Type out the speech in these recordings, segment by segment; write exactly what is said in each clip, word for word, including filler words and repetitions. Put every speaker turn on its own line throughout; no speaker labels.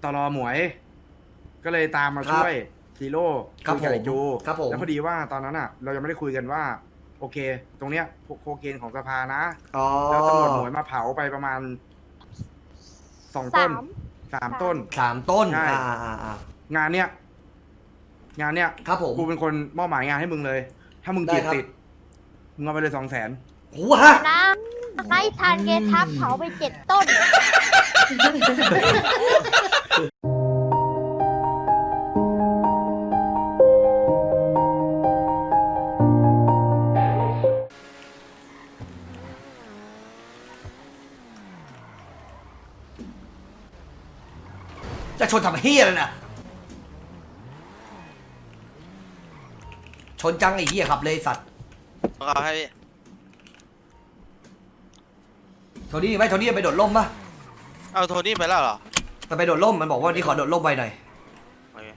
ตลอหมวย ก็เลยตามมาช่วยฮีโร่
ครับ
คุยกับไอ้จู
ครับผม
แล้วพอดีว่าตอนนั้นอ่ะ เรายังไม่ได้คุยกันว่า โอเค ตรงเนี้ยโคเคนของสภานะ
อ๋อ
แล้วตำรวจหมวยมาเผาไปประมาณสองต้น
สาม
สามต้น
สามต้น
ใช่
อ่าอ่าอ่าง
านเนี้ยงานเนี้ย
ครับผม
กูเป็นคนมอบหมายงานให้มึงเลย ถ้ามึงจีบ
ได้ครับ
ติดมึงเอาไปเลยสองแสน
โอ้ฮะ
นะให้ทานเกทับเผาไปเจ็ดต้น
จะชนทำเฮียเลยนะชนจังไอ้เฮียขับเลยสัตว์
เอาให้พี่
โทนี่ไหมโทนี่ไปโดดร่มปะ
เอาโทนี่ไปแล้วเหรอ
มันไปโดดร่มมันบอกว่าวันนี้ขอโดดร่มไปหน่อย
โอเค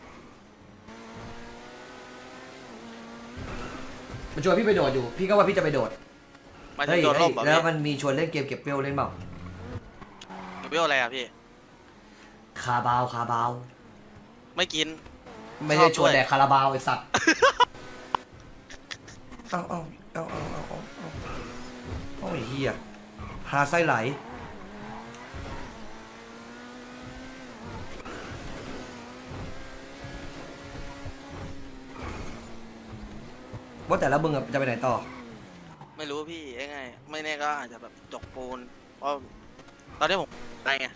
มันชวนพี่ไปโดดอยู่พี่ก็ว่าพี่จะไปโดด
มาถึ
เฮ้
ง
ย
โดน
เฮ้
ล่
ย
มเหรอ
แล้ว
พี่
มันมีชวนเล่นเกมเก็บเวลเล่นเปล่า
เวลอะไรอ่ะพี่
คาบาวคาบาว
ไม่กิน
ไม่ได้
ชอบ
ชวน
ด้วย
แดกคาราบาวไอ้สัตว์เอาเอาเอาเอาเอาเอาเอาเอาไอ้เหี้ยหาไส้ไหลว่าแต่ละมึงอะจะไปไหนต่อ
ไม่รู้พี่ยังไง ไม่แน่ก็อาจจะแบบจกปูน เพราะตอนนี้ผมอะไรไง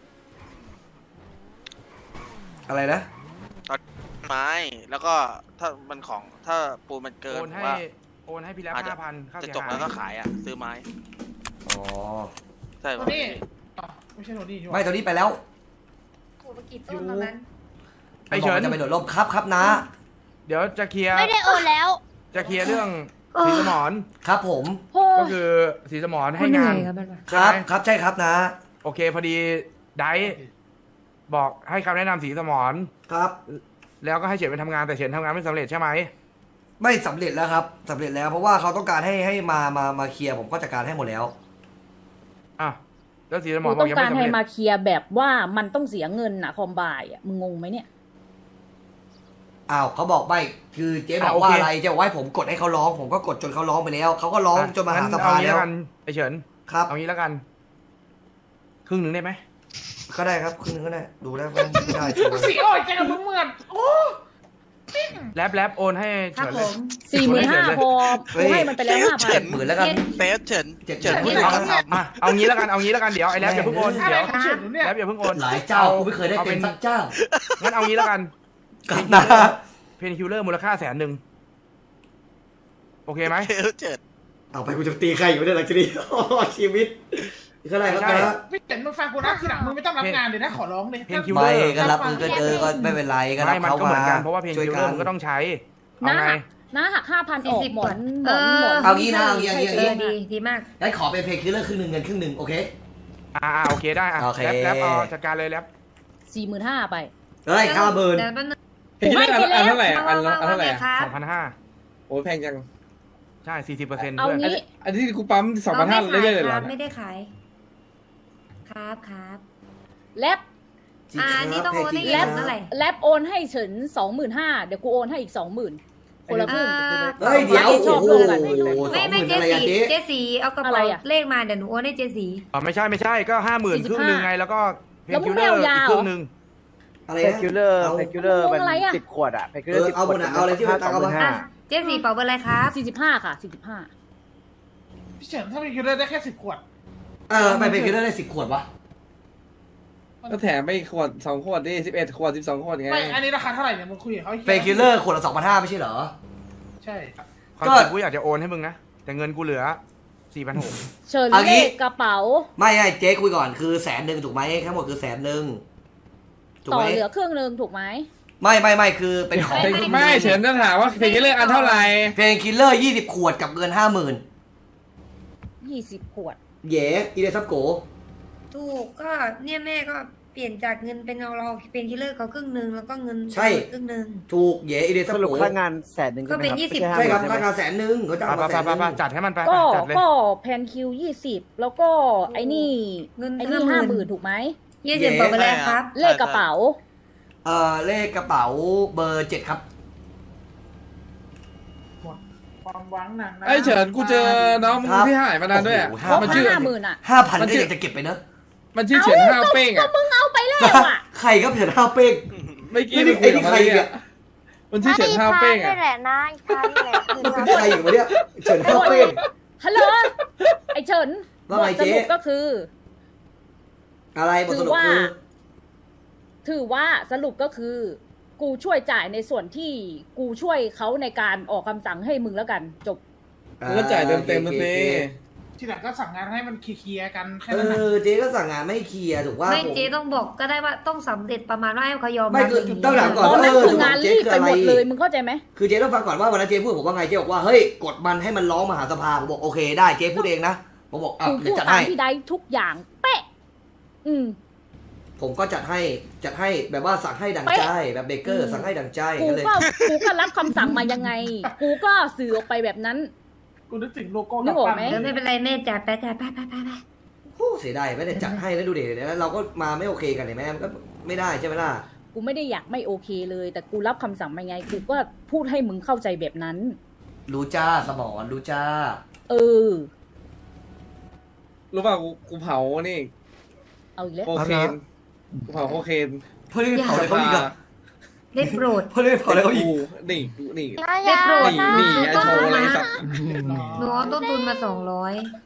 อะไรนะ
ไม้ แล้วก็ถ้ามันของ ถ้าปูนมันเกิ
โอน นให้
ว่า
โอนให้พี่แล้ว
อาจจะ
ห้าพันค่า
จะ
เสีย
จก
หา
แล้ว
ย
ก็ขายอ่ะ ซื้อไม้
อ๋อ
ใช่
โท
ป่ะ
นี่อ๋อไม่ใช่โทนี่ใช่ไหม
ไม่ตอนนี้ไปแล้ว
โอ้ไปกี่ต้นตอนนั้น
ไอ้เฉิน
มันบอกว่าจะไปโดดร่มครับครับนะ
เดี๋ยวจะเคลียร์
ไม่ได้โอนแล้ว
จะเคลียร์เรื่องสีสมอน
ครับผม
โอ้
ก็คือสีสมอนให้งาน
ค รับ
ใช่ไหม
ครับใช่ครับนะ
โอเคพอดีไดซ์บอกให้คำแนะนำสีสมอน
ครับ
แล้วก็ให้เฉินไปทำงานแต่เฉินทำงานไม่สำเร็จใช่ไหม
ไม่สำเร็จแล้วครับสำเร็จแล้วเพราะว่าเขาต้องการให้ให้มามามาเคลียร์ผมก็จัดการให้หมดแล้ว
อ่ะแล้วสีสม
กู
อนบอ
ต้อก ง
ยัง
กา
ไม่
ร
สำ
ให้
เร็จ
มาเคลียร์แบบว่ามันต้องเสียเงินอะคอมบายอะมึงงงไหมเนี่ย
อ้าวเขาบอกไม่คือเจ๊บอกว่าอะไรเจ๊บอกว่าให้ผมกดให้เขาร้อง ผมก็กดจนเขาร้องไปแล้วเขาก็ร้องจนมาหา
งั้
สภา
เองี้
แล้ว
กันไอ้เฉิน
ครับ
เอางี้แล้วกัน ครึ่งหนึ่งได้ไหม
ก็ได้ครับครึ่งนึงก็ได้ดูแล้วไม่ได้ชัวร์
สีอ่อยใจกับมึงเหมือนโอ้
แรปแรปโอนให้เฉินเลย
สี่หมื่นห้าพอกูให้มันไปแล้วห้าพัน
เจ็ดหมื่นแล้วกัน
เตสเฉิน
เจ็ด
เฉิน
เจ็ด
ไม่
เอา
ต้องท
มาเอางี้แล้วกันเอางี้แล้วกันเดี๋ยวไอ้แรปอย่าเพิ่งโอน
อะไร
เดี๋ยว
ของเฉินเนี่ย
แรปอย่าเพิ่งโอน
หลายเจ้ากูไม่เคยได้เป็นสักเจ้า
งั้นเอางี้แล้วกัน
ครับนะ
เพนคิวเลอร์มูลค่าแสนหนึ่งโอเคไหม
ำเตสเฉิน
เอาไปกูจะตีใครอยู่ในหลังจากนี้ชีวิตเท่าไหร่ครับ
ไม่ใช่
นะ
พี่เห็นมึงฟังกูนะทีหลังมึงไม่ต้องรับงานเลยนะขอร้องเลย
เพนคิว
ไม่ก็รับมือก็เออก็ไม่เป็นไรก็รับ
ไม่มัน
เขา
ก็เหมื
มา
อนกันเพราะว่าเพน
ช่วย
คิวเล
กั
อร์
น
มันก็ต้องใช้เอา
นะ
ไง
หักนะหักห้าพันออกหมอนหมอน
เออ
หมอน
เอางี้นะเอางี้เอางี้เอางี้
เออดีดีมาก
งั้นขอเป็นเพลงคิลเลอร์ครึ่งหนึ่งเงินครึ่งหนึ่งโอเค
อ่าโอเคได้อ่ะ
โอเค
แรปแรปเอาจัดการเลยแรป
สี่หมื่นห้าไป
เฮ้ยห้าหมื่น
เดี๋ยวแป๊บนึง
กูให้ไปแล้ว
อันเท่าไหร่อะอัน
ว่า
ละอัน
ว่า
เท่าไหร่
ไง
อะ
ครับ
สองพันห้า
โอ้ยแพงจัง
ใช่สี่สิบเปอร์เซ็นต์
เอา
เพื่อน
งี้
อันนี้กูปั๊มสองพันห้า
ไม่
เรื่อยๆ
ขา
เลย
ค
เหร
รั
อบ
ไม่ได้ขาย ครับครับ
แลบ
อ่านี่ต้องโอนให้
แล้
เงินเท่าไหร่
แลบโอนให้เฉินสองหมื่นห้าเดี๋ยวกูโอนให้อีกสองหมื่นคนละครึ่ง
อ่า
เฮ้ยเดี๋ยว
ช
โอ้
อบ
โห
ร่วมกัน
สองห
ไม่
มื่
ไม่
น
เจ
อะไรอะ
สี
เจ๊
เจสีเอากระ
อะไร
เป๋า
อะ
เลขมาเดี๋ยวหนูโอนให้เจสี
อ๋อไม่ใช่ไม่ใช่ก็ห้าหมื่น
สี่สิ
ค
บ
รึ่ง
ห้า
หนึ่งไงแล้วก็เพ
แล้
น
วมึ
คิ
ง
วเล
ไม่
อ
เอา
ร์
ยา
อีก
เหรอ
ครึ่งหนึ่ง
อะไร
เพ
นะ
คิวเลอร์
เอา
เพคิวเลอร์
มึ
มั
ง
น
อะไรอะ
สิบขวดอะเพคิวเลอร์
เออ
สิบ
เอา
ข
หม
ว
ด
ด
อะเอาอะไรที่มันตังค์เอามา
ห้า
เจสีเป๋าเบอร์อะไรครับ
สี่สิบห้าค่ะสี่สิบห้า
พี่เฉินถ้ามีคิวเลอร์ได้แค่สิบขวด
เออไปเพลงคิลเลอร์ได้สิบขวดวะ
ก็แถมไปอีกขวดสองขวดดิสิบเอ็ดขวดสิบสองขวดไง
ไม่อันนี้ราคาเท่าไหร่เนี่ยมึงคุยกับเขา
เพลงคิลเลอร์ขวดละสองพันห้าไม่ใช่เหรอ
ใช่
ความจริงกูอยากจะโอนให้มึงนะแต่เงินกูเหลือสี่พันหก
เฉิน
เอางี้
เลขกระเป๋า
ไม่ไอ้เจ๊คุยก่อนคือแสนหนึ่งถูกไหมทั้งหมดคือแสนหนึ่งถูก
ต่อ
ไหม
เหลือครึ่งหนึ่งถูกไหม
ไม่ไม่ไม่คือเป็นของ
ไม่เฉินจะถามว่าเพลงเลือกอันเท่าไหร่
เพลงคิลเลอร์ยี่สิบขวดกับเงินห้าหมื่น
ยี่สิบขวด
เย่อีเดซับโก
ถูกก็เนี่ยแม่ก็เปลี่ยนจากเงินเป็นเราเราเป็นคิลเลอร์เขาครึ่งหนึ่งแล้วก็เงินครึ่งหนึ่ง
ถูกเย่อีเดซั
ส
บ
รุป
โก
ค่างานแสนหนึ่ง
ก็เป็น
ใช่ไหม
ยี่สิบ
ไม่
ใช่ครับ
ห้าหมื่น
ค่างานแสนหนึ่งเขาจ้าง
ไป
มา
ไป
แสนห
ไป
นึ่ง
ไปจัดให้มันไป
ก็
จัดเลย
ก็แพนคิวยี่สิบแล้วก็ไอ้นี่
เงิน
ไอ้นี่
ห้า
ห้า
ห
ห
มื่
มื่
น
นถูกไหม
เฮียเฉินบอกไปแล้วครับ
เลขกระเป๋า
เอ่อเลขกระเป๋าเบอร์เจ็ดครับ
หมดความหวังหนักนะ
ไอ้เฉินกูเจอน้องมึง
ครับ
ที่หายมานานด้วยอะ
โอ้โห
ครบ
มันชื่อ
ห้าหมื่นอ่ะ
ห้าพัน
มัน
ก็
ชื่อ
ยังจะเก็บไปเนอะ
มันชื่อเฉินห้าวเป้ง
ก็
อะ
มึงเอาไปแล้วอ่ะ
ใครครับเฉินห้าวเป้ง
ไม่กี้
นี่
มึงคุยกับ
ไอ้นี่
มัน
ใคร
เลย
เนี่
อะ
ย
มันชื่อเฉินห้าวเป้ง
นี่
อะ
แหละนะอีกครั้งนี่แหละ
มันเป็นใครอยู่วะเนี่ยเฉินห้าวเป้ง
ฮัลโหล ไอเฉิน
ว่า
บ
ไง
ท
เจ๊
สรุปก็คือ
อะไรบทสรุป
ถือว่า
คือ
ถือว่าสรุปก็คือ กูช่วยจ่ายในส่วนที่กูช่วยเขาในการออกคำสั่งให้มึงแล้วกัน จบ
มึงก็จ่ายเต็มเต็มๆนะ
โอ
สิ
เค
ทีหลังก็สั่งงานให้มันเคลียร์ๆกันแค่
เอ
นั้นนะ
อเจ๊ก็สั่งงานไม่เคลียร์ถูกว่า
ไม่
ผม
เจ๊ต้องบอกก็ได้ว่าต้องสำเร็จประมาณว่าให้เขายอม
ไม่
รับ
คือ
ย่างนี้
ต้องถามก่
ต
อน
อนนั้น
เออ
คืองานรีบไปหมดเลย มึงเข้าใจไหม
คือเจ๊ต้องฟังก่อนว่าวันนั้นเจ๊พูดผมว่าไงเจ๊บอกว่าเฮ้ยกดมันให้มันร้องมหาสภาผมบอกโอเคได้เจ๊พูดเองนะผมบอกอ่ะ
กู
เดี๋
พู
ยว
ด
จัด
ตาม
ให้
พี่ได้ทุกอย่าง เป๊ะ อืม
ผมก็จัดให้จัดให้แบบว่าสั่งให้ดังใจแบบเบเกอร์สั่งให้ดังใจ
กู
กันเลย
ก็กูก็รับคำสั่งมายังไง กูก็สื่อออกไปแบบนั้น
กูนึกถึงโลโก้
นึกออกไหม
เดี๋ยวไม่เป็นไรแม่จ่ายไปจ่ายไปไปไปไป
โอ้เสียดายไม่ได้จัดให้แล้วดูดิแล้วเราก็มาไม่โอเคกันเห็นไหมมันก็ไม่ได้ใช่ไหมล่ะ
กูไม่ได้อยากไม่โอเคเลย แต่กูรับคำสั่งมาไง กูก็พูดให้มึงเข้าใจแบบนั้น
รู้จ้าสมอนรู้จ้า
เออ
รู้ป่ะกูกูเผานี่
เอาอีกแล้ว
โคเคนกูเผาโคเคน
เพื่อนเผาอะไรเขาอีกอะ
ได้โปรด
เพื่อนเผาอะไรเขาอีก
กูนี่กูนี่
นะ
ได้
ยา
โปรด
นี่
นะ
นี่ไอโชว์อะไรสัตว์
หนูเอาต้นทุนมาสองร้อย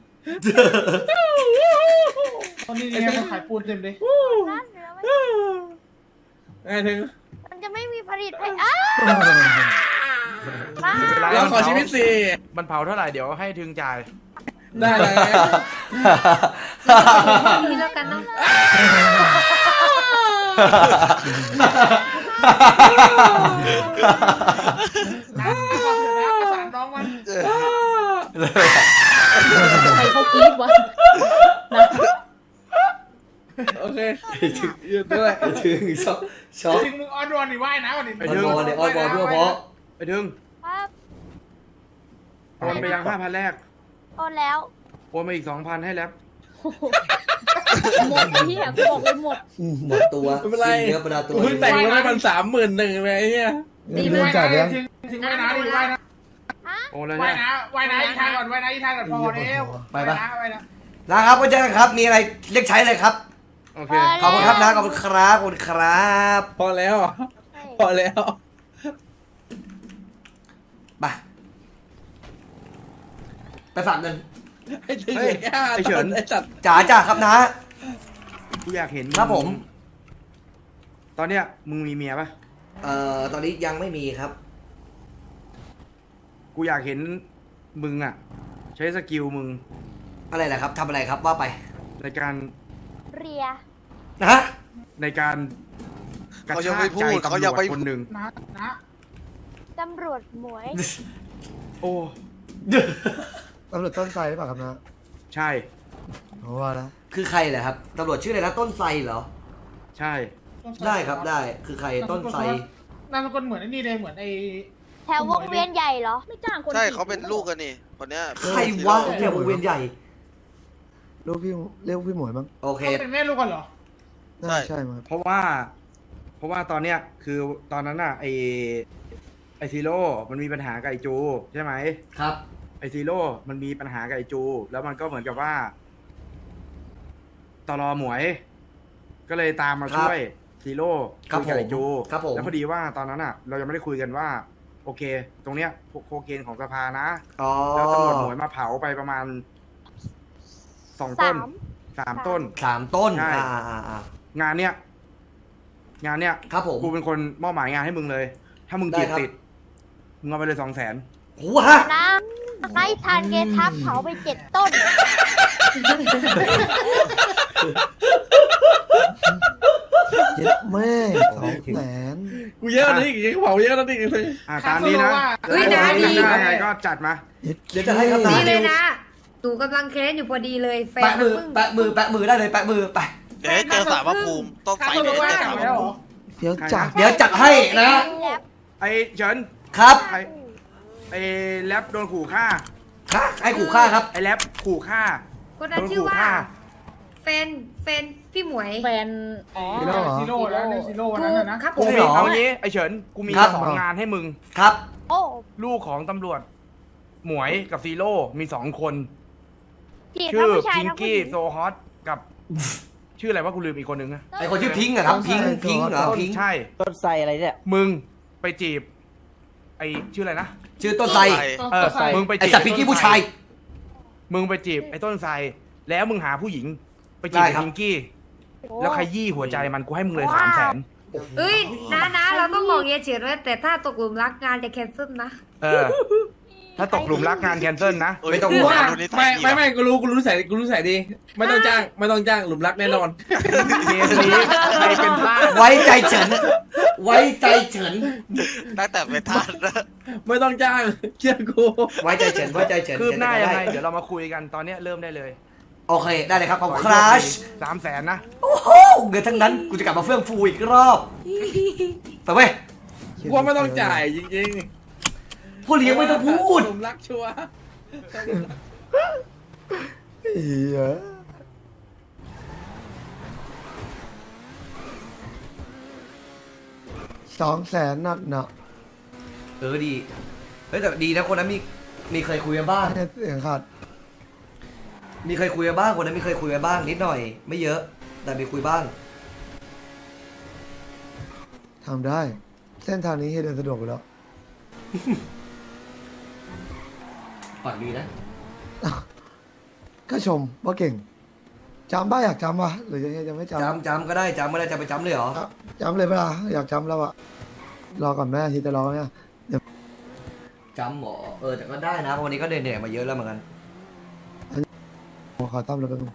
ตอนนี้เนี่ยมันขายปูนเต็มเลย
นะเดี๋ยวมัน
ไอ้ถึง
มันจะไม่มีผลิตให้อ้าบ้า
เราขอชีวิตสิ
มันเผาเท่าไหร่เดี๋ยวให้ถึงจ่าย
ได้แล้ว
นี่แล้วกันเนาะ
นะบอกเถอะนะประสานน้องมัน
ใครเขากรี๊ดวะนะ
โอเคหยุดด้วย
ถึงช็อกช็อก
ถึงมึงออนรอนนี่ว่ายนะวันนี้
ออนบอลเนี่ยออนบอลเพื่อเพราะ
ไปถึง
ครับ
โอนไปยังห้าพันแรก
โอนแล้ว
โอนมาอีกสองพันให้แล้ว
หมดที่อ่ะกูบอกเลยหมด
หมดตัว
ไม่เป็นไร
เนื้อประดาตัว
กูเพิ่งแต่งมาได้มันสามหมื่นหนึ่งไปไอ้เนี่ย
ดี
ถึง
มาก
ว่ายนะถึงถึงว่ายนะดิว่ายนะ
โอนเลย
ว่าย
ใช่ไหม
นะว่ายนะอีกทางก่อนว่ายนะอีกทางก่อนพอแล้วว่ายนะว่ายนะ
นะครับก็เจอกันครับมีอะไรเรียกใช้เลยครับ
โอเค
ขอบคุณครับนะขอบคุณครับขอบคุณครับ
พอแล้วเหรอพอแล้ว
ไปไปฝากเงิน
ไอ้ถึง
เฮ้ย
ไอ้ห้า
ไอ้เฉิน
ไอ้สัตว์
จ๋าจ้าครับนะ
กูอยากเห็น
ครับผม
ตอนเนี้ยมึงมีเมียปะ
เอ่อตอนนี้ยังไม่มีครับ
กูอยากเห็นมึงอ่ะ ใช้สกิลมึง
อะไรนะครับทำอะไรครับว่าไป
ในการ
เรีย
นะฮะ
ในการกระ
เขายัง
ชา
ไม่
ก
พู
ใจ
ด
ตำ
เขา
ร
ยัง
วจ
ไม่
คนหนึ่ง
นะนะ
ตำรวจหมวย
โอ้
ตำรวจต้นไทรหรือเปล่าครับนะ
ใช่
เพราะว่านะ
คือใครเหรอครับตำรวจชื่ออะไรนะต้นไทรเหรอ
ใช่
ได้ครับได้คือใครต้นไทร
นามสกุลเหมือนไอ้นี่เลยเหมือนไอ้
แถววงเวียนใหญ่เหรอ
ไม่จ้างคน
ใช่
จีบ
เขาเป็นลูกกันนี่คนเนี้ย
ใครวะแถววงเวียนใหญ่
ลูกพี่เรียกพี่หมวยมั้ง
โอเค
เขาเป็นแม่ลูกกันเหรอ
น่าใช่มั้ง
เพราะว่า เพราะว่าตอนเนี้ยคือตอนนั้นน่ะไอไอซีโร่มันมีปัญหากับไอจูใช่ไหม
ครับ
ไอซีโร่มันมีปัญหากับไอจู แล้วมันก็เหมือนกับว่าตลอหมวย ก็เลยตามมาช่วยซีโร่
ครับ
คุยกับไอจู
ครับผม
แล้วพอดีว่าตอนนั้นอ่ะ เรายังไม่ได้คุยกันว่า โอเค ตรงเนี้ยโคเคนของสภานะ
อ๋อ
แล้วตำรวจหมวยมาเผาไปประมาณสองต้น
สาม
สามต้น
สามต้น
ใช่
อ่าอ่าอ่าง
านเนี้ยงานเนี้ย
ครับผม
กูเป็นคนมอบหมายงานให้มึงเลย ถ้ามึง
ได้
จีบ
ครับ
ติดมึงเอาไปเลยสองแสน
โอ้ฮะ
นะให้ทานเกทับเผาไปเจ็ดต้น
เจ็ดแม่สองแสน
กูเยอะนะนี่กูเผาเยอะนะนี่เลย
อ่าตามนี้นะ
เฮ้ยนะดี
ได้ไงก็จัดมา
เดี๋ยวจะให้ครับ
ดี
นะ
เลยนะหนูกำลังแค้นอยู่พอดีเลยแฟน
แปะมือ
เพิ่ง
แปะมือแปะมือได้เลยแปะมือไป
เดี๋ยวให้เจอสารพระภูมิต้อง
ค่า
ใส่
ตัว
เดี๋ยว
ว่า
ให้เจอสารพ
แล้
ระ
วเหร
ภู
อ
มิ
เดี๋ยวจัด
เดี๋ยวจัดให้นะ
ไอ้เฉิน
ครับ
ไอ้ไอ้แรปโดนขู่ฆ่า
ค่ะไอ้ขู่ฆ่าครับ
ไอ้แรปขู่ฆ่า
คนนั้นชื่อว่า
โดนขู่ฆ่า
เฟนเฟนพี่หมวย
แฟน
อ๋อ
ซีโร่เหรอ
ซีโร่แล้วในซีโร่วันนั้นน่ะนะ
ครับผ
กู
ม
มีเอางี้ไอเฉินกูมี
ครับ
สองงานให้มึง
ครับ
โอ้
ลูกของตำรวจ หมวยกับซีโร่มีสองคน
จีบ
ชื่
ทั้
อง
ผู้ชาย
พิง
ทั้งผู้ห
กี้
ญิง
โซฮอตกับ ชื่ออะไรว่ากูลืมอีกคนนึงนะ
ไอคนชื่อพิงค์อะครับพิงค์พิงค์เหรอพิงค์
ใช่
ต้นไทรอะไรเนี่ย
มึงไปจีบ ไอชื่ออะไรนะ
ชื่อต้นไทร
ต้อง
เออ
ต้องใส่
มึงไป
ไอ
จีบ
สัตว์พิงกี้ผู้ชาย
มึงไปจีบไอ้ต้นไทรแล้วมึงหาผู้หญิง ไปจีบ
ได้
ไอ้
ครับ
พิงกี้ แล้วขยี้หัวใจมันกูให้มึงเลยสามแสน
เอ้ยนะนะเราต้องบอกเฮียเฉินไว้แต่ถ้าตกหลุมรักงานจะแคนเซิลนะ
เออ ถ้าตกหลุมรักงานแคนเซิลนะ
เอ้ย
ไม่ต้อง
กู
ห่วง
ว่าดูนิสั
ไม่
ย
ไม่ไม่กูรู้กูรู้ใส่กูรู้ใส่ดี ไม่ต้องจ้าง ไม่ต้องจ้างหลุมรักแน่นอน
เกมนี้ใครเป็นพลาด
ไว้ใจเฉิน ไว้ใจเฉิน
ตั้งแต่เป็นทาสนะ
ไม่ต้องจ้างเชื่อกู
ไว้ใจเฉินไว้ใจเฉิน
คืบหน้ายังไง
ด้
เดี๋ยวเรามาคุยกันตอนเนี้ยเริ่มได้เลย
โอเคได้เลยครับขอบคุณครัช
สามแสนนะ
โอ้โหเงินทั้งนั้นกูจะกลับมาเฟื่องฟูอีกรอบไปเว้ย
กูว่าไม่ต้องจ่ายจริง
ผู้เลี้ยงไม่ต้องพูด
หลุมรักชัวร์
เหี้ยสองแสนนัดเนาะ
เออดีเฮ้ยแต่ดีนะคนนั้นมีมีเคยคุยกันบ้าง
เนี่ยเสียงขาด
มีเคยคุยกันบ้างคนนั้นมีเคยคุยกันบ้างนิดหน่อย ไม่เยอะ แต่มีคุยบ้าง
ทำได้ เส้นทางนี้ให้เดินสะดวกอยู่แล้ว
ปากดีนะ
ก็ชมว่าเก่งจำบ้าอยากจำวะหรือยังยังไม่จำ
จำจำก็ได้จำไม่ได้จะไปจำเลยเหรอ
อ่ะจำเลยเวลาอยากจำแล้วอะรอก่อนแม่ทีจะรอเนี่ย
จำหมอเออแต่ก็ได้นะเพราะวันนี้ก็เหนื่อยๆมาเยอะแล้วเหมือนกัน
ผมขอตั้มแล้วกันง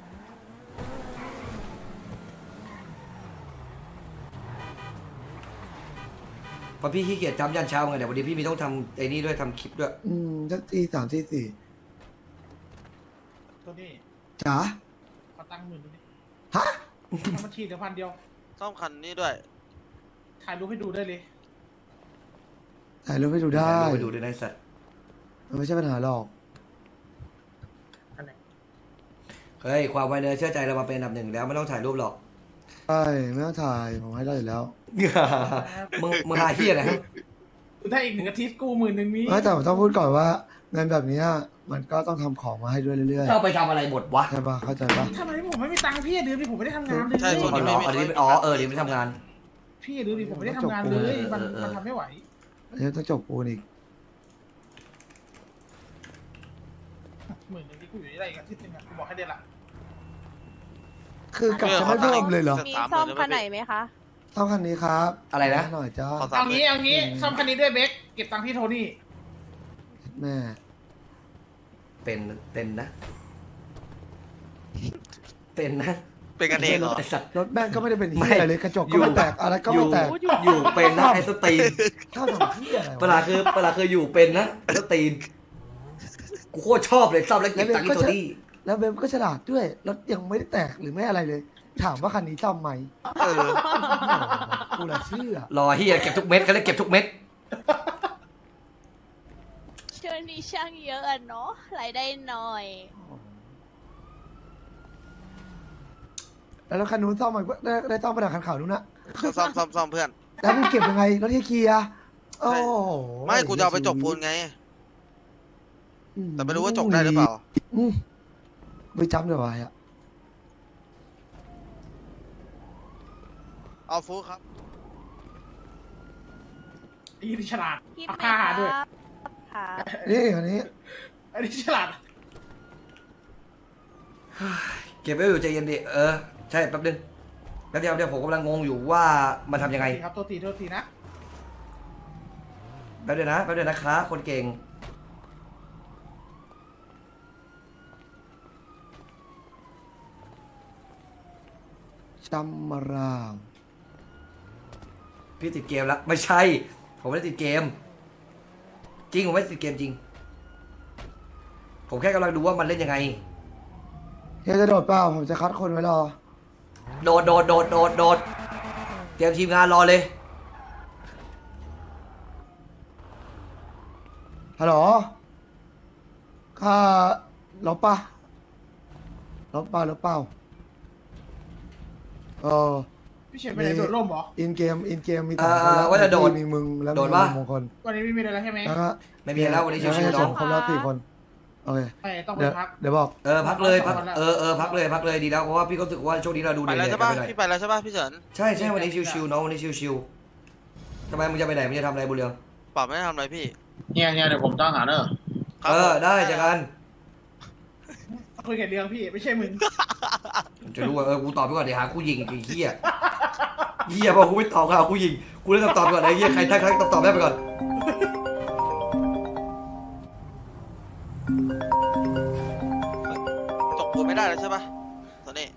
เพราะพี่ขี้เกียจจำยันเช้าไงเดี๋ยววันนี้พี่มีต้องทำไอ้นี่ด้วยทำคลิปด้วย
อืมสักทีสามทีสี่
ตัวนี้
จ๋า
ขอตังค์หมื่นดูดิ
ฮะ
ทำบัญชีเดี๋ยวพันเดียว
ซ่อมคันนี้ด้วย
ถ่ายรูปให้ดูได้เลย
ถ่ายรูปให้ดูได้
ไปดูด้วยนะไอ้สัตว์
มันไม่ใช่ปัญหาหรอก
อันไหน
เฮ้ยความไวเนื้อเชื่อใจเรามาเป็นอันดับหนึ่งแล้วไม่ต้องถ่ายรูปหรอก
ใช่ไม่ต้องถ่ายผมให้ได้อยู่แล้ว
มึงมึงหาเฮียอะไรฮะ
ถ้าอีกหนึ่งอาทิตย์กู้หมื่นหนึ่งนี้
ไม่แต่ผมต้องพูดก่อนว่าเงินแบบเนี้ยมันก็ต้องทำของมาให้ด้วยเรื่อย
เราไปทำอะไรหมดวะ
ๆใช่ปะเข้าใจปะ
ทำไมผมไม่มีตังค์พี่อย่าลืมดิผมไม่ได้ทำงานเลย
ใช่ช่วง
อ๋อ
นี้
เหรออันนี้อ๋อเออเดี๋ยวไม่ทำงาน
พี่อย่าลืมดิผมไม่ได้ทำงานเลยมัน
เออเออ
มันทำไม่ไหว
อันนี้ต้องจบปูนอีก
หมื่นหนึ่งที่กูอยู่ได้อีกอาทิตย์หนึงอะกูบอกให้เดือนละ
คือกลับจะไม่เพิ่มเลยเหรอ
มีซ่อมคันไหนไหมคะ
เท่าคันนี้ครับ
อะไรนะ
หน่อยจ้า
ขอสาม
เอา
หมื่
งี้
น
เอางี้ซ่อมคันนี้ด้วยเบคเก็บตังค์ที่โทนี่
แม่
เป็นเป็นนะ เป็นนะ
เป็นกันเองเหรอ
ไอ้สัตว์
รถแม่งก็ไม่ได้เป็น
ไม่
ที่อะไรเลยกระจก
อยู่
ก็ไม่แตกอะไรก็
อ
ไม่
ยู่
แตก
อยู่เป็นนะไอ้สตรีน
ถ้าทำที่อะไร
เวลาว
ะ
คือเวลาคืออยู่เป็นนะสตรีนกูโคตรชอบเลยซ่อมแล้วเก็บตังค์ที่โทนี่
แล้วเบมก็ฉลาดด้วยรถยังไม่ได้แตกหรือไม่อะไรเลย ถามว่าคันนี้ซ่อมไหม
เออ
กูละเชื่อ
รอเฮียเก็บทุกเม็ดเขาเรียกเก็บทุกเม็ด
ช่วงนี้ช่างเยอะอะเนาะรายได้น้อย
แล้วรถคันนู้นซ่อมมันก็ได้ได้ซ่อมไปดักคันขาวนู้นนะ
ซ่อมซ่อมซ่อมเพื่อน
แล้วมึงเก็บยังไงรถที่เคลียร์โอ้โห
ไม่กูจะเอาไปจกปูนไง
อื
แต่ไม่รู้ว่าจกได้หรือเปล่า
อืมไปจำเดี๋ยวไว้อะ
เอาฟูครับ
ไอ้นี่ฉลาด
พี่
เอา
ไม่
ค่า
ค
หา
รับ
ด้วย
ค่ะ
นี่อันนี้
ไอ้นี่ฉลาด
เก็บไว้อยู่ใจเย็นดิเออใช่แป๊บนึงแป๊บเดียวเดี๋ยวผมกำลังงงอยู่ว่ามันทำยังไง
ครับตัวตีตัวตีนะ
แป๊บเดียวนะแป๊บเดียวนะคะคนเก่ง
จำมาราง
พี่ติดเกมแล้วไม่ใช่ ผมไม่ได้ติดเกม จริงผมไม่ได้ติดเกมจริง ผมแค่กำลังดูว่ามันเล่นยังไง
เฮียจะโดดเปล่าผมจะคัดคนไว้รอ
โดดโดดโดดโดดโดดเตรียมทีมงานรอเลย
ฮัลโหลค่าลบปะลบเปล่าลบเปล่าเออ
พี่เฉินไปไหนโดดร่มเหรอ
อินเกมอินเกมมี
เอ
สองคน
อ
แล้ว
ว่าจะโดด
มีมึงแล้ว
โดด
มี
ปะ
มงคล
วันนี้ไม่มีอะไรแล้วใช่ไหม
แล้วก็
ไม่มีแล้ววันนี้ชิวๆ
ส
เนาะ
องคนแล้วสี่คนโอเค
ไปต้องไป
เดี๋ยว
พัก
เดี๋ยวบอก
เออพักเลยพักเออเออพักเลยพักเลยดีแล้วเพราะว่าพี่ก็รู้สึกว่าช่วงนี้เราดู
ไป
เหนื่
แล้ว
อยๆ
ใช่
กัน
ปะ
ไปหน่อย
พี่ไปแล้วใช่ปะพี่เฉิน
ใช่ใช่วันนี้ชิวๆน้องวันนี้ชิวๆทำไมมึงจะไปไหนมึงจะทำอะไรบุญเรือง
ปรับไม่ได้ทำอะไรพี่
เนี่ยเนี่ยเดี๋ยวผมต้องหาเนอะ
ครับ
เออ
ผม
ได้เจอกัน
คุยกับเรื่องพี่ไม่ใช่มึง
จะรู้ว่าเออกูตอบไปก่อนเดี๋ยวหากูยิงไอ้เหี้ยเหี้ยพอกูไม่ตอบก็หากูยิงกูเลยตอบตอบไปก่อนไอ้เหี้ยใครทักทักตอบตอบได้ไปก่อน
จกปูนไม่ได้แล้วใช่ปะตอนนี้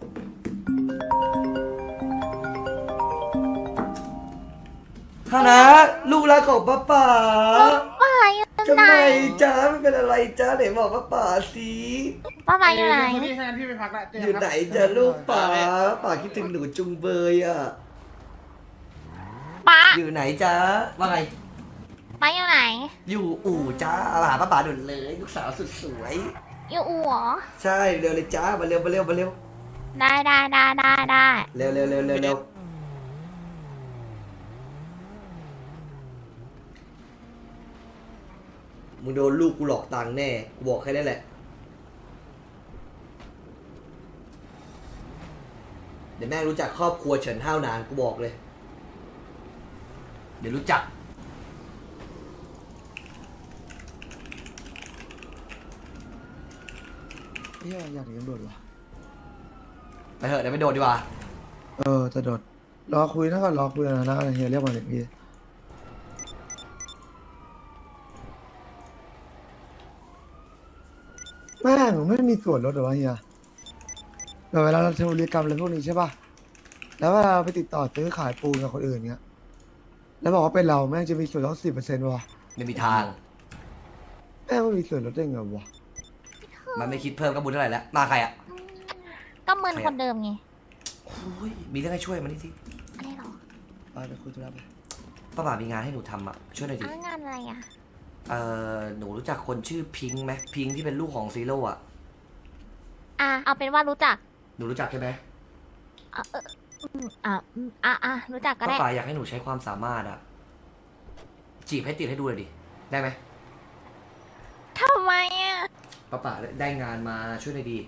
ฮานะลูกรักของป้าป๋า
ป้าอยู่
ทำ
ไหน
ไมจ้าไม่เป็นอะไรจ้าไหนบอกป้าป๋าสิ
ป้ามาอยู่ไหน
พี่ถ้างั้นพี่ไปพักละเจอ
อ
กั
ยู่
นครับ
ไหนจ้าลูกป๋าป๋าคิดถึงหนูจุงเบยอ่ะ
ป้า
อยู่ไหนจ้าว่าไง
ป้าอยู่ไหน
อยู่อู่จ้ามาหาป้าป๋าด่วนเลยลูกสาวสุดสวย
อยู่อู่เหรอ
ใช่เร็วเลยจ้ามาเร็วมาเร็วมาเร็ว
ได้ได้ได้ได้ได้
เร็วเร็วเร็วเร็วเร็วมึงโดนลูกกูหลอกตังค์แน่กูบอกแค่นั้นแหละเดี๋ยวแม่งรู้จักครอบครัวเฉินห้าวนานกูบอกเลยเดี๋ยวรู้จัก
เฮียอยากเรียนโดดว่ะ
ไปเถอะเดี๋ยวไปโดดดีกว่า
เออจะโดดรอคุยนะก่อนรอคุยนะนะเฮียเรียกมาเลยพี่แม่งไม่มีส่วนลดหรอวะเฮียแบบเวลาเราทำธุรกรรมอะไรพวกนี้ใช่ป่ะแล้วเวลาเราไปติดต่อซื้อขายปูนกับคนอื่นเงี้ยแล้วบอกว่าเป็นเราแม่งจะมีส่วนลดสิบเปอร์เซ็นต์วะ
ไม่มีทาง
แม่งไม่มีส่วนลดได้ไงวะ
มันไม่คิดเพิ่มก็บุญเท่าไหร่แล้วมาใครอ่ะ
ก็มึนคนเดิมไง
โอ้ยมีเรื่องให้ช่วยมานี่สิ
อะไรหรอ
ไปไปคุยธุระไป
ป้าบ่ามีงานให้หนูทำอ่ะช่วยหน่อยดิ
อ้าวงานอะไรอ่ะ
เอ่อหนูรู้จักคนชื่อพิงค์ไหมพิงค์ที่เป็นลูกของซีโร่อ่ะ
อ่ะเอาเป็นว่ารู้จัก
หนูรู้จักใช่ไหม
อ่ะเอออืมอ่ะอืมอ่ะอ่ะรู้จักก็
ป้า
ได้
ป่าอยากให้หนูใช้ความสามารถอ่ะจีบให้ติดให้ดูเลยดิได้ไหม
ทำไมอ่ะ
ป้าป่าได้งานมาช่วยหน่อยดิ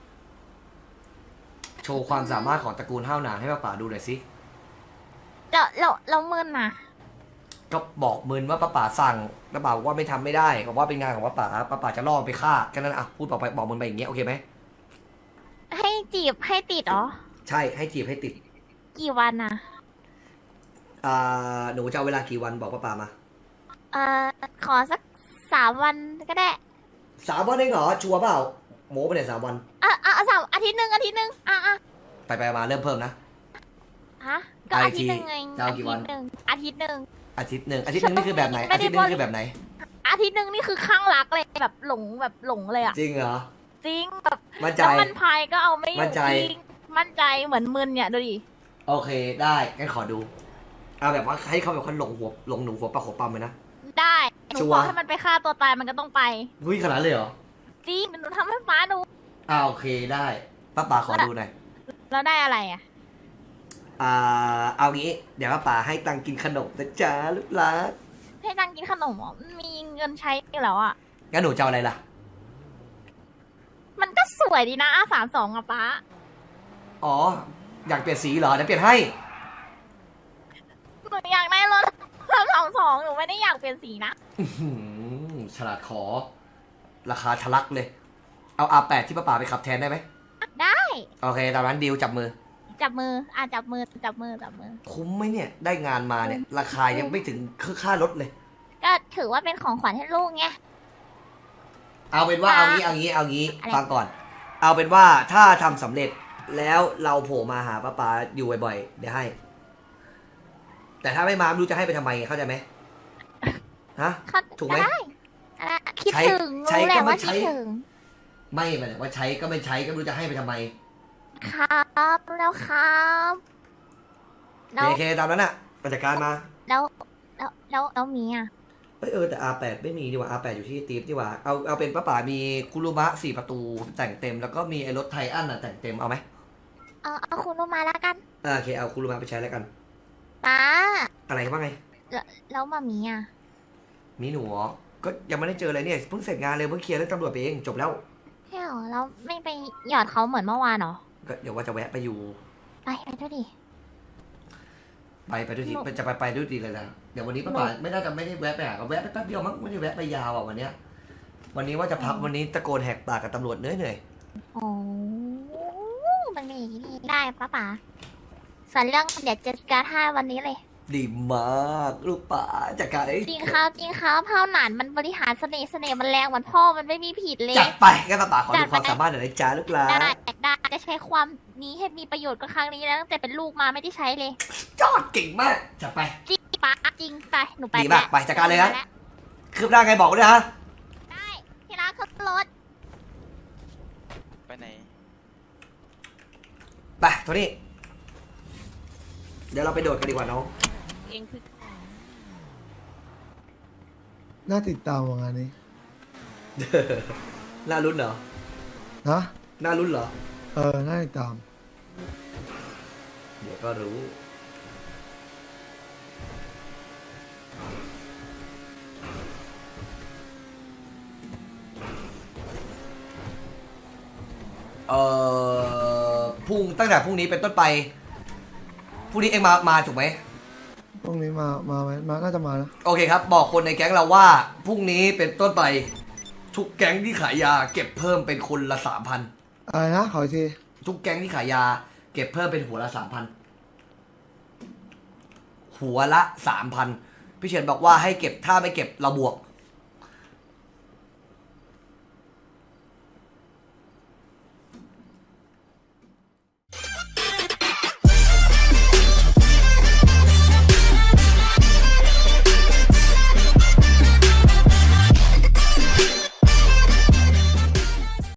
โชว์ความสามารถของตระกูลห้าวหนานให้ป้าป่าดูหน่อยสิ
เราเราเรามึนอ่ะ
ก็บอกมึนว่าป้าป่าสั่งป้าป่าบอกว่าไม่ทำไม่ได้บอกว่าเป็นงานของป้าป่าป้าป่าจะล่อไปฆ่าแค่นั้นอ่ะพูดบอกไปบอกมึนไปอย่างเงี้ยโอเคไหม
ให้จีบให้ติดเหรอ
ใช่ให้จีบให้ติด
กี่วันอ่ะ
อ่าหนูจะเอาเวลากี่วันบอกป้าป่ามา
เอ่อขอสักสามวันก็ได้
สามวันเองเหรอชัวร์เปล่าโม้ไปเนี่ยสามวัน
อ่ะอ่ะอ่ะสามอาทิตย์หนึ่งอาทิตย์หนึ่งอ่ะอ่ะ
ไปไปมาเริ่มเพิ่มนะ
ฮะก็
ไอ
อา
ที
ทิตย์หนึ่งไง
จะเอากี่วัน
อาทิตย์หนึ่งอาทิตย์หนึ่ง
อาทิตย์หนึ่งอาทิตย์หนึ่งนี่คือแบบไหน
ไม่
อา
ได้
ทิตย์หนึงนี่คือแบบไหน
อาทิตย์หนึ่งนี่คือข้างรักเลยแบบหลงแบบหลงเลยอ่ะ
จริงเหรอ
จริงแบบ
มั่นใจ
แล้วมันพายก็เอาไม่อยู่
มั่นใจ
จริงมั่นใจเหมือนมึนเนี่ยดูดิ
โอเคได้งั้นขอดูเอาแบบว่าให้เขาแบบคนหลงหัวหลงหนูหัวปลาหัวปั๊มเลยนะ
ได้หนู
ชัวร์
บอกให้มันไปฆ่าตัวตายมันก็ต้องไป
หุ้ยขนาดนั้นเลยเหรอ
จริงหนูทำให้ฟ้าดู
อ่าโอเคได้ป้าป่าขอดูหน่อย
แล้วได้อะไรอ่ะ
อ่าเอางี้เดี๋ยวป้าป่าให้ตังค์กินขนมนะจ๊ะลูกหลาน
ให้ตังค์กินขนมเหรอมีเงินใช้อยู่แล้วอ่ะ
งั้นหนูจะเอาอะไรล่ะ
มันก็สวยดีนะอาสามสองอะป้า
อ๋ออยากเปลี่ยนสีเหรอเดี๋ยวเปลี่ยนให้
หนูอยากได้รถสามสองสองหนูไม่ได้อยากเปลี่ยนสีนะ
อื้อหือฉลาดขอ ราคาทะลักเลย เอา อาร์ แปด ที่ป้าป่าไปขับแทนได้ไหม
ได้
โอเคตามนั้นดีลจับมือ
จับมืออ่ะจับมือจับมือจับมือ
คุ้มไหมเนี่ย ได้งานมาเนี่ย ราคายังไม่ถึงค่ารถเลย
ก็ถือว่าเป็นของขวัญให้ลูกไง
เอาเป็นว่า
อ่ะ
เอางี้เอางี้เอางี้
อะไร
ฟังก่อน เอาเป็นว่าถ้าทำสำเร็จแล้วเราโผล่มาหาป้าป๋าอยู่บ่อยๆเดี๋ยวให้ แต่ถ้าไม่มาไม่รู้จะให้ไปทำไมเข้าใจไหมฮะ
เขา
ถูกไหม
ได้อ่ะคิด
ใช้
ถึง
ใช้
รู้แห
ก็
ละ
ไม่
ว่า
ใช้
คิดถึง
ไม่หมายถึงว่าใช้ก็ไม่ใช้ก็ไม่รู้จะให้ไปทำไม
ครับแล้วครับแล้ว
โอเคตามนั้นน่ะมาจัดการมา
แล้วแล้วแล้วแล้วมีอ่ะ
เอยเออแต่ อาร์ แปด ไม่มีดีกว่า อาร์ แปด อยู่ที่ตีฟดีกว่าเอาเอาเป็นป้าป๋ามีคุรุมะสี่ประตูแต่งเต็มแล้วก็มีไอ้รถไทอันอ่ะแต่งเต็มเอาไหม
เอเอาเอาคุณลงมาแล้วกัน
อ่าโอเคเอาคุรุมะไปใช้แล้วกัน
ป้า
อะไรบ้างไง
แล้วแล้วมามีอ่ะ
มีหนูเหรอก็ยังไม่ได้เจออะไรเนี่ยเพิ่งเสร็จงานเลยเพิ่งเคลียร์เรื่องตำรวจไปเองจบแล้ว
ใช่เหรอแล้วไม่ไปหยอดเขาเหมือนเมื่อวานเหรอ
ก็เดี๋ยวว่าจะแวะไปอยู่
ไปไปด้วยดิ
ไปไปด้วยทีจะไปไปด้วยดีเลยนะเดี๋ยววันนี้ป้าป๋าไม่น่าจะไม่ได้แวะไปหาเขาแวะไปแป๊บเดียวมั้งไม่ได้แวะไปยาวอ่ะวันเนี้ยวันนี้ว่าจะพักวันนี้ตะโกนแหกปากกับตำรวจเหนื่อยเหนื่อย
โอ้มันมีอย่างนี้ได้ป้าป๋าส่วนเรื่องเดี๋ยวจะการให้วันนี้เลย
ดีมากลูกป๋าจัดการไอ้
จริงครับจริงครับเผ่าหนานมันบริหารเสน่ห์เสน่ห์มันแรงเหมือนพ่อมันไม่มีผิดเลย
จัดไปงั้นป้าป๋าขอดูความสามารถหน่อยนะจ๊ะลูกหลาน
ได้ได้จะใช้ความนี้ให้มีประโยชน์ก็ครั้งนี้แล้วตั้งแต่เป็นลูกมาไม่ได้ใช้เลย
ยอดเก่งมากจัดไป
จริงป้าจริงไปหนูไป
ดีมาก
แล้ว
ไปจัดการเลยนะคืบหน้าไงบอกด้วยฮะ
ได้ที่รักขึ้นรถ
ไปไหน
ไปโทนี่เดี๋ยวเราไปโดดกันดีกว่าน้อง
เองคือ
น่าติดตามว่างานนี้
น่ารุ้นเหรอ
นะ
น่ารุ้นเหรอ
เออน่าติดตาม
เดี๋ยวก็รู้ เอ่อพรุ่งตั้งแต่พรุ่งนี้เป็นต้นไป พรุ่งนี้เองมา มาถูกไหม
พรุ่งนี้มามาไหมมาน่าจะมานะ
โอเคครับ บอกคนในแก๊งเราว่า พรุ่งนี้เป็นต้นไป ทุกแก๊งที่ขายยา เก็บเพิ่มเป็นคนละสามพัน
อะไรนะขออีกที
ทุกแก๊งที่ขายยา เก็บเพิ่มเป็นหัวละสามพัน หัวละสามพัน พี่เฉินบอกว่าให้เก็บถ้าไม่เก็บเราบวก